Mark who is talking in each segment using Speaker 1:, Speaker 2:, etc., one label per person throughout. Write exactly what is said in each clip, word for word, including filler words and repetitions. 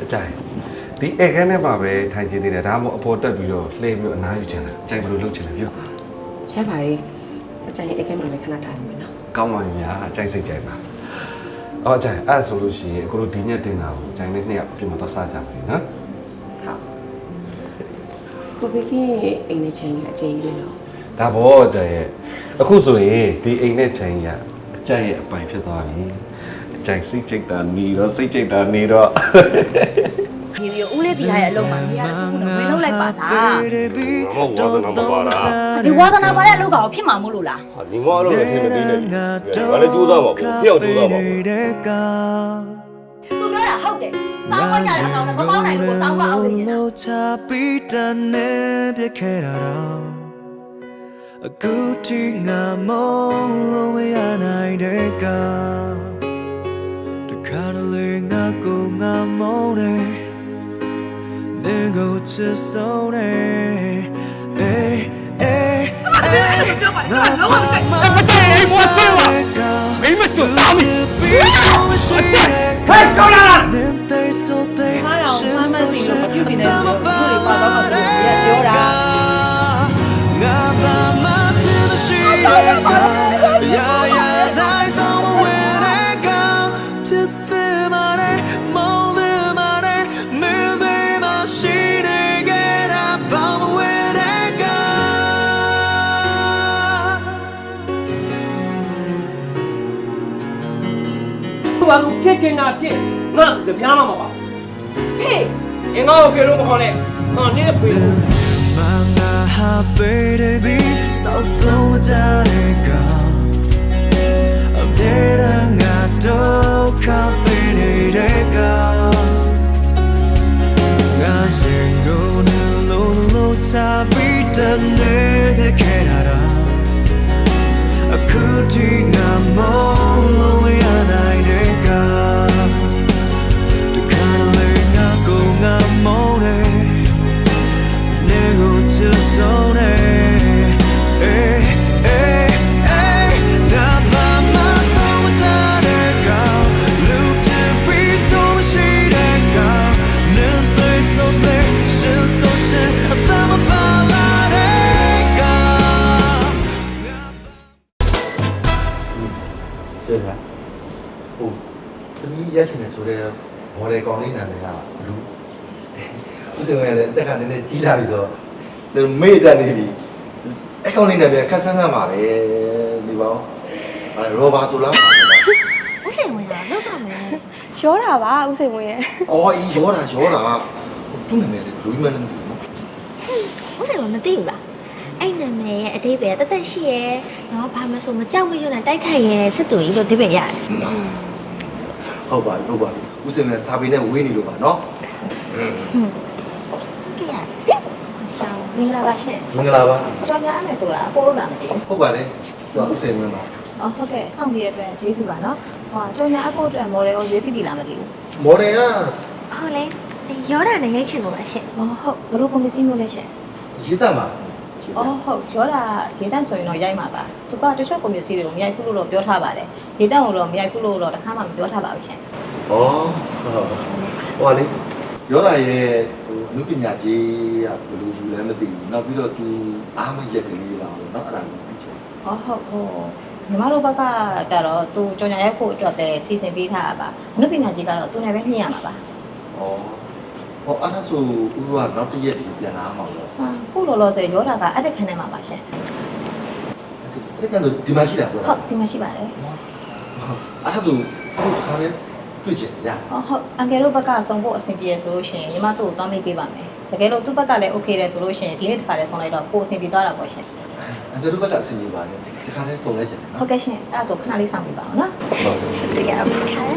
Speaker 1: ကြိုက်ဒီဧကန်းနဲ့ပါပဲထိုင်ကြည့်သေးတယ်ဒါမှမဟုတ်အပေါ်တက်ပြီးတော့လှည့်ပြီးတော့အနားယူချင်တာကြိုက်ဘယ်လိုလုပ်ချင်လဲပြော
Speaker 2: ရပါလေအကြိုက်ဧကန်းမှာလည်းခဏထားရမယ်နော်
Speaker 1: ကောင်းပါပြီညာကြိုက်စိတ်ကြိုက်ပါအော်ကြိုက်အဲ့ဆိုလို့ရှိရင်အခုတို့ဒီညက်တင်တာကိုကြိုက်နဲ့နှစ်ယောက်ပြင်မတော့စားကြပြီနော်
Speaker 2: ဟုတ်ကိုဘေကင်းအိမ်နဲ့ချင်းကြီးအကျဉ်းကြီးနော်
Speaker 1: ဒါဘောကြိုက်ရဲ့အခုဆိုရင်ဒီအိမ်နဲ့ချင်းကြီးကအကြိုက်ရဲ့အပိုင်ဖြစ်သွားပြီအကြိုက်စိတ်ကြိတ်တာနေတော့စိတ်ကြိတ်တာနေတော့
Speaker 3: ဒီလိုဦးလေးတီးထားတဲ့အလုပ်မှာနေရာတစ်ခုတော့ဝင်လုပ်လိုက်ပါလား
Speaker 4: ဟုတ်ဝါသနာမပါလား
Speaker 3: ဒီဝါသနာပါတဲ့အလုပ်ကောင်ဖြစ်မှာမို့လို့လား
Speaker 4: ဟာဒီမောအလုပ်လည်းဖြစ်မသေးနဲ့ဘာလဲကြိုးစားပါဘူးဖျောက်ကြိုးစားပါဘူး
Speaker 3: သူပြောတာဟုတ်တယ်စောင်းဝကြတဲ့အကောင်နဲ့မပေါင်းနိုင်ဘူးစောင်းဝအောင်နေနေတာ
Speaker 5: အခုထိငါမလို့မရနိုင်တဲ့ကတခါတလေငါကိုငါမုန်းတယ်နေကိုချစ်ဆုံးတယ်အေးအေး
Speaker 4: ပြောပါလေလောကမကြိုက်မကြိုက်အိမ်မွတ်သေးပါမင်းမကျွတ်သားမီဟဲ့ကောင်းလား
Speaker 2: မရောမမသိလို့မပြုတ်ပြနေတယ်လို့ပြောပါတော့မှပြောတာ
Speaker 5: ရာရာတိုင်းတော့မဝင်တဲ့ကောင်ဖြစ်တဲ့မာတဲ့မောင်းတဲ့မာတဲ့မင်းသေးမရှိတဲ့ကဲတာဘာမဝင်တဲ့
Speaker 6: ကောင်သူကသူဖြစ်ချင်တာဖြစ်ငါကြပြားမှာမပါဖေးအင်္ဂါကိုဖေလို့မခေါ်နဲ့ငါနင်းဖေး
Speaker 5: မငါဟာပေးတယ်ပြီးစောက်တော့မကြတဲ့ကောင်ငါတော့ခပ်ပေးနေတဲ့ကငါစင်ကိုနေလို့လို့ချပြီးတဲ့နေတဲ့ခဲ့တာအခုထိငါမလို့မရနိုင်တဲ့ကတခါလေငါကိုငါမုန်းတယ်နေကိုချစ်ဆုံးတယ်
Speaker 7: ရချင်တယ်ဆိုတော့မော်ဒယ်ကောင်လေးနာမည်ကဘလူးဦးစင်ဝင်လည်းအသက်ကနည်းနည်းကြီးလာပြီဆိုတော့မေ့တက်နေပြီအကောင်လေးနာမည်ခက်ဆန်းဆန်းပါပဲဒီပေါင်းအဲရောဘာဆိုလား
Speaker 3: ဦးစင်ဝင်လာလောက်ကြမယ်
Speaker 8: ရောတာပါဦးစင်ဝင်ရဲ့
Speaker 7: အော်အေးရောတာရောတာသူ့နာမည်လေလူကြီးမလည်းမသိဘူးနော်
Speaker 3: ဦးစင်ဝင်မသိဘူးလားအဲ့နာမည်ရဲ့အတိတ်ပဲတသက်ရှိရဲ့နော်ဘာမှဆိုမကြောက်မရွံ့နဲ့တိုက်ခိုက်ရဲ့စစ်တူကြီးလို့ဒီပဲရတယ်
Speaker 7: ဟုတ်ပါပြီဟုတ်ပါပြီဦးစင်ကစာပေနဲ့ဝေးနေလို့ပါနော်อืม
Speaker 3: ကြည့်ရအောင်မင်္ဂလာပါရှင်
Speaker 7: မင်္ဂလာပါ
Speaker 3: ကြောင်ရမယ်ဆိုတာအကိုလို့လာမသိဘူး
Speaker 7: ဟုတ်ပါလေသူကဦးစင်ဝင်ပါ
Speaker 3: အော်ဟုတ်ကဲ့စောင့်ကြည့်ရတဲ့အတွက်ကျေးဇူးပါနော်ဟောကြောင်ရအကိုအတွက်မော်ဒယ်ကိုရွေးပြပြီလားမသိဘူး
Speaker 7: မော်ဒယ်က
Speaker 3: ဟုတ်လေရောတာနဲ့ရိုက်ချင်လို့ပါရှင်ဟောဟုတ်ဘလို့ကွန်ပစ္စည်းမျိုးလဲရှင်
Speaker 7: ရေးတတ်ပါ
Speaker 2: အော်ဟုတ်ရောတာရေးတတ်ဆိုရင်တော့ရိုက်မှာပါသူကတချို့ကွန်ပစ္စည်းတွေကိုမရိုက်ဘူးလို့တော့ပြောထားပါတယ်ရေးတတ်ကိုတော့မရိုက်ဘူးလို့တော့တခါမှမပြောထားပါဘူးရှင်
Speaker 7: ဩဟုတ်ဟောလေရောတာရဲ့ဟိုအမှုပညာကြီးကဘယ်လိုယူလဲမသိဘူးနောက်ပြီးတော့သူအားမရက်ကလေးပါတော့เนาะအဲ့ဒါကိုသိချင်
Speaker 2: ဟောဟုတ်ဟိုညီမတို့ဘက်ကကြတော့သူကြော်ညာရိုက်ဖို့အတွက်ပဲစီစဉ်ပေးထားတာပါအမှုပညာကြီးကတော့သူနဲ့ပဲညှိရမှာပါ
Speaker 7: ဩဟောအဲ့ဒါဆိုဦးကနောက်တစ်ရက်ပြန်လာမှာပေါ့
Speaker 2: ဟာခုလောလောဆယ်ရောတာကအတက်ခန်းထဲမှာပါရှင်
Speaker 7: အဲ့ဒါဆိုဒီမှာရှိတာပေါ့
Speaker 2: ဟုတ်ဒီမှာရှိပါတယ်
Speaker 7: အဲ့ဒါဆိုခုခါလေးတွေ့ချင်ရ
Speaker 2: ဟုတ်ဟုတ်အန်ကယ်တို့ဘက်ကဆုံးဖို့အဆင်ပြေဆိုလို့ရှိရင်ညီမတို့ကိုသွားမိတ်ပေးပါမယ်တကယ်လို့သူ့ဘက်ကလည်း okay တယ်ဆိုလို့ရှိရင်ဒီနေ့တစ်ခါတည်းဆုံးလိုက်တော့ပိုအဆင်ပြေသွားတာပေါ့ရှင်
Speaker 7: အန်ကယ်တို့ဘက်ကအဆင်ပြေပါလေဒီခါလေးဆုံးလိုက်ချင်တယ်
Speaker 2: နော်ဟုတ်ကဲ့ရှင်အဲ့ဒါဆိုခဏလေးဆောင်ပြပါအောင်နော်ဟုတ်ဆက်ပြရအောင်ခါ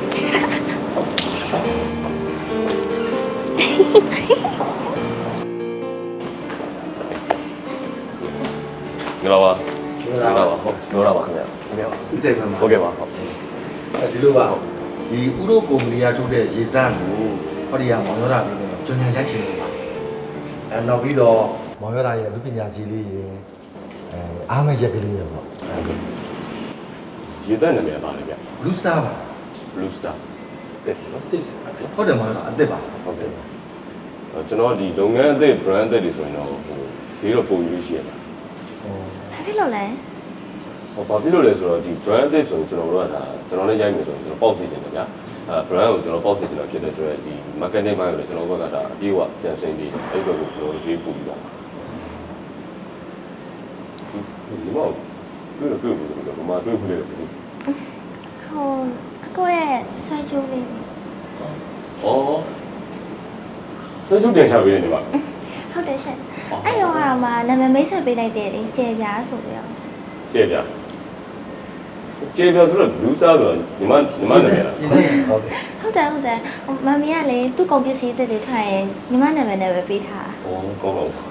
Speaker 4: ငါပါငါပါဟုတ်ပြောတာပါခင်ဗျာ
Speaker 7: ခင်ဗျာဦးစိတ်မှာ
Speaker 4: ဟုတ်ကဲ့ပါဟုတ်
Speaker 7: အဲဒီလိုပါဒီဥရောကုမ္ပဏီကထုတ်တဲ့ရေတန့်ကိုဟောဒီကမောင်ရတာလေးနဲ့ကြော်ညာရိုက်ချင်လို့ပါအဲနောက်ပြီးတော့မောင်ရတာရဲ့လူပညာကြီးလေးရေအဲအားမရက်ကလေးရေပေါ့
Speaker 4: ရေတန့်နာမည်ပါလေဗျ
Speaker 7: Blue Star ပါ
Speaker 4: Blue Star
Speaker 1: တက်နော်တက်စပါဗျာ
Speaker 7: ဟုတ်တယ်မဟုတ်လားအစ်စ်ပါ
Speaker 1: ဟုတ်ကဲ့ကျွန်တော်ဒီလုပ်ငန်းအသစ် brand အသစ်တွေဆိုရင်တော့ဟိုဈေးတော့ပုံယူရှိရမှာ
Speaker 3: ဘာဖြစ်လို့လဲ
Speaker 1: ဟောဘာဖြစ်လို့လဲဆိုတော့ဒီ brand အသစ်ဆိုရင်ကျွန်တော်တို့ကဒါကျွန်တော်လည်းရိုက်မယ်ဆိုရင်ကျွန်တော်ပေါက်စီခြင်းတယ်ဗျာအဲ brand ကိုကျွန်တော်ပေါက်စီခြင်းတာဖြစ်တဲ့အတွက်ဒီ marketing ပိုင်းကိုလည်းကျွန်တော်ဘက်ကဒါအပြည့်အဝပြန်ဆင်းပြီးအဲ့ဘက်ကိုကျွန်တော်ဈေးပို့ပြီးပါဒီဒီမောတွေ့တော့တွေ့ဘူးလို့ဘာမှတွေ့ဘူးလေ
Speaker 3: ဟိုအကိုရဲ့ဆွဲချိုးလေး
Speaker 1: อ๋อဆွေးကြတင်ချပေးနေပါ
Speaker 3: ဟုတ်တယ်ရှင်အဲ့တော့ကမှနာမည်မိတ်ဆက်ပေးလိုက်တယ်လေကျေပြားဆိုပြီးတော့
Speaker 1: ကျေပြကျေပြဆိုတော့ blue star ဆိုတော့ညီမညီမနာမည်လား
Speaker 7: ဟုတ်တယ်
Speaker 3: ဟုတ်တယ်ဟုတ်တယ်မမီကလေသူ့ကုန်ပစ္စည်းအသစ်တွေထွက်ရင်ညီမနာမည်နဲ့ပဲပေးထား
Speaker 1: อ๋อကောင်းပါဘူး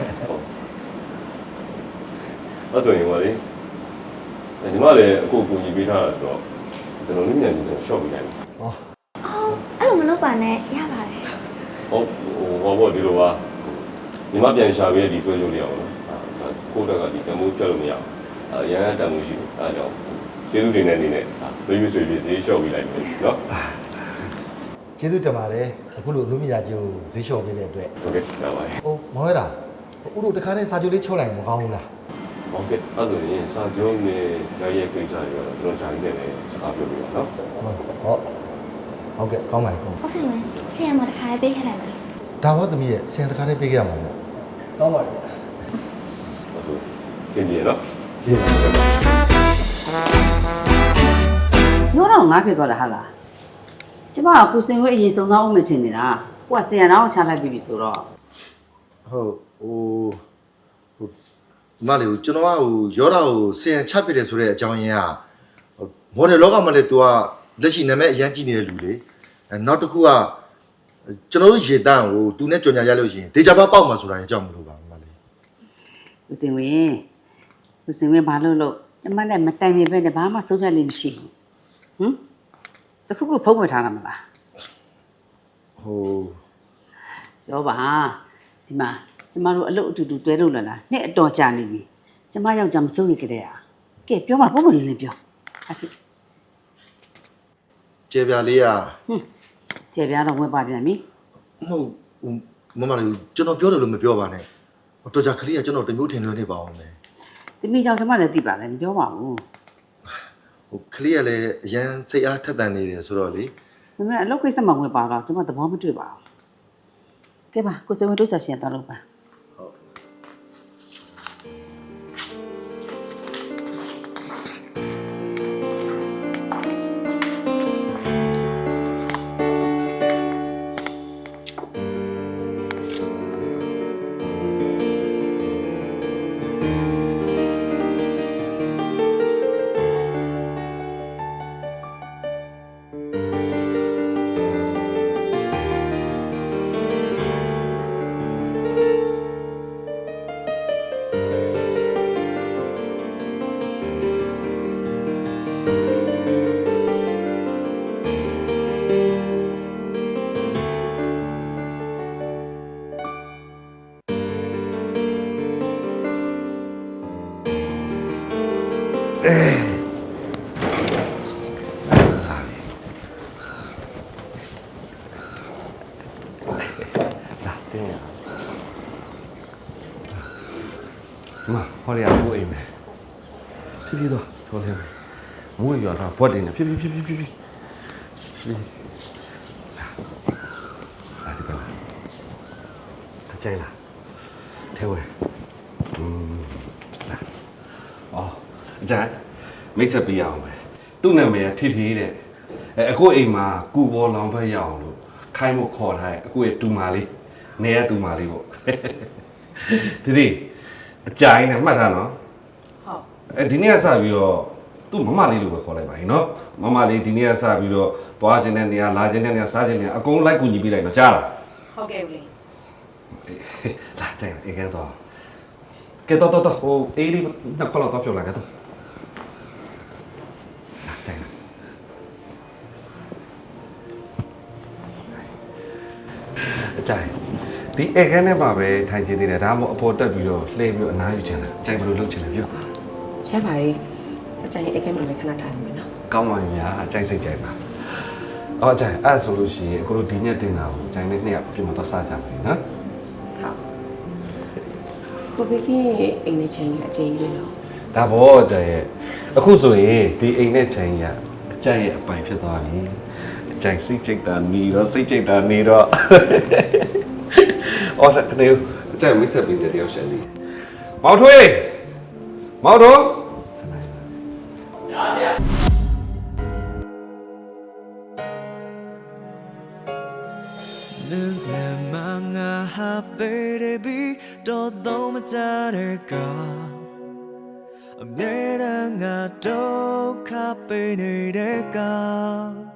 Speaker 1: အဲ့ဆိုရင်ပါလေညီမလည်းအခုကူညီပေးထားတာဆိုတော့ကျွန်တော်လည်းမြန်မြန်ကျွန်တော် shop ပေးလိုက်
Speaker 7: ဟော
Speaker 3: အော်အဲ့လိုမလုပ်ပါနဲ့ရပါတယ်
Speaker 1: ဟုတ်ဟိုဘောဒီလိုပါညီမပြန်ရှာပေးတဲ့ဒီဆွဲကြိုးလေးအောင်နော်အဲကိုတက်ကဒီတမိုးပြတ်လို့မရအောင်အဲရန်တမိုးရှိတယ်အဲကြောင့်ကျေးဇူးတင်တဲ့အနေနဲ့ဘေးဘီဆွေပြီးဈေး shop ပေးလိုက်မယ်နော်
Speaker 7: ကျေးဇူးတင်ပါတယ်အခုလိုအမှုမြာကြီးကိုဈေးလျှော့ပေးတဲ့အတွက်
Speaker 1: ဟုတ်ကဲ့ရပါတယ်
Speaker 7: ဟိုမဟုတ်လားဥတို့တခါတည်းစာချုပ်လေးချုပ်လိုက်မကောင်းဘူးလား
Speaker 1: ဟုတ်ကဲ့အဲ့ဆိုရင်စာကြုံးနဲ့ကြားရဲ့ကိစ္စတွေတော့ကျွန်တော်ဂျာကြီးနဲ့လည်းစကားပြောပြပါနော်
Speaker 7: ဟောဟုတ်ကဲ့ကောင်းပါပြီကောင်း
Speaker 3: ဟုတ်စီမင်းဆီယမ်မတစ်ခါလေးပေးခဲ့လိုက်မယ်
Speaker 7: ဒါဘောသမီးရဲ့ဆင်တခါတည်းပေးခဲ့ရမှာပေါ့ကောင်းပါပြီ
Speaker 1: အဲ့ဆိုစင်ပြေနော်
Speaker 7: ကျေးဇူးပါ
Speaker 9: ပြောတော့ငါဖြစ်သွားတာဟာလားကျမကကိုစင်ဝဲအရင်စုံစမ်းအောင်မထင်နေတာကိုကဆင်ရနာကိုချလိုက်ပြီဆိုတော့
Speaker 7: ဟုတ်ဟိုဟိုမလေးကိုကျွန်တော်ကဟိုရောတာကိုဆင်ချပစ်တယ်ဆိုတဲ့အကြောင်းရင်းကမော်ဒယ်လောကမှာလေ तू ကလက်ရှိနာမည်အရန်ကြည့်နေတဲ့လူလေအဲနောက်တစ်ခုကကျွန်တော်တို့ရေတန်းကို तू နဲ့ကြော်ညာရလို့ရှိရင်ဒေဂျာဘာပေါက်မှာဆိုတာအကြောင်းမလို့ပါမလေး
Speaker 9: ကိုစင်ဝဲကိုစင်ဝဲဘာလို့လို့ကျမနဲ့မတိုင်မြင်ပဲနဲ့ဘာမှဆုံးဖြတ်လိမ့်မရှိဘူးဟမ်တခုခုဖုံးဝယ်ထားတာမလား
Speaker 7: ဟို
Speaker 9: ပြောပါဒီမှာကျမတို့အလုပ်အတူတူတွဲလို့လာလားနှစ်အတော်ကြာနေပြီကျမယောက်ျားမစိုးရိမ်ကြတဲ့ဟာကဲပြောပါပုံမလေးလေးပြောဟာဖြစ်
Speaker 7: ကျေပြာလေးက
Speaker 9: ဟွန်းကျေပြားတော့ဝက်ပါပြန်ပြီ
Speaker 7: မဟုတ်ဟိုမမလေးကျွန်တော်ပြောတယ်လို့မပြောပါနဲ့ဟိုတော်ကြခလေးကကျွန်တော်တမျိုးထင်လွဲနေပါအောင်မယ်
Speaker 9: တမိကြောင့်ကျမလည်းသိပါလေမပြောပါဘူး
Speaker 7: ဟိုခလေးကလည်းအရန်စိတ်အားထက်သန်နေတယ်ဆိုတော့လေ
Speaker 9: ဒါပေမဲ့အလုပ်ကိစ္စမှာဝင်ပါတော့ကျမသဘောမတွေ့ပါဘူးကဲပါကိုစင်ဝဲတို့ဆက်ရှင်တော့လို့ပါ
Speaker 1: လာစင်းရမဟောရဘူးအိမ်မယ်ဖြည်းဖြည်းတော့ထော်လဲမိုးရွာတာဘွက်တင်နေဖြည်းဖြည်းဖြည်းဖြည်းဖြည်းဖြည်းလာဒီကောင်အကျိုင်းလားထဲဝဲอืมလာအော်အကျိုင်းမိတ်ဆက်ပေးရအောင်ပဲသူ့နာမည်ကထီထီတဲ့အဲအခုအိမ်မှာကူပေါ်လောင်ဘက်ရအောင်လို့ခိုင်းဖို့ခေါ်ထားတယ်အခုရဲ့တူမာလေးနေရတူမာလေးပေါ့ဒီဒီအကြိုင်းနဲ့မှတ်ထားနော်ဟုတ်အဲဒီနေ့ကစပြီးတော့သူ့မမလေးလိုပဲခေါ်လိုက်ပါရင်နော်မမလေးဒီနေ့ကစပြီးတော့သွားခြင်းတဲ့နေရာလာခြင်းတဲ့နေရာစားခြင်းတဲ့နေရာအကုန်လိုက်ကူညီပေးလိုက်တော့ကြားလားဟုတ်ကဲ့ဦးလေးလာကြိုင်းအေးကတော့ကဲတော့တော့ဟိုအေးလေးနှစ်ခေါက်လောက်တော့ပြောလာကတော့လာကြိုင်းအကြိုင်းဒီအေကန်းနဲ့ပါပဲထိုင်ချင်သေးတယ်ဒါမှမဟုတ်အပေါ်တက်ပြီးတော့လှည့်ပြီးတော့အနားယူချင်တယ်ကြိုင်ဘယ်လိုလုပ်ချင်လဲပြော
Speaker 10: ရပါရဲ့အကြိုင်အိတ်ခဲမှာလည်းခဏထားရမယ်နော်
Speaker 1: ကောင်းပါပြီညာအကြိုက်စိတ်ကြိုက်ပါအော်ကြိုင်အဲ့ဆိုလို့ရှိရင်ကိုတို့ဒီညက်တင်တာကိုဂျိုင်နဲ့နှစ်ယောက်ပြင်မတော့စားကြမယ်နော်
Speaker 10: ကိုဘေကင်းအိမ်နဲ့ချင်းကြီးအကျဉ်းကြီးလေနော်
Speaker 1: ဒါဘောကြိုင်ရဲ့အခုဆိုရင်ဒီအိမ်နဲ့ဂျိုင်ရအကြိုင်ရဲ့အပိုင်ဖြစ်သွားပြီအကြိုင်စိတ်ကြိတ်တာနေတော့စိတ်ကြိတ်တာနေတော့အော်တကယ်အကြိုင်မိတ်ဆက်ပေးတဲ့တယောက်ရှယ်လေးမောင်ထွေးမောင်တော်
Speaker 5: 눈에 망아 baby 또 너무 잘할까 내랑 아도 카페 내릴까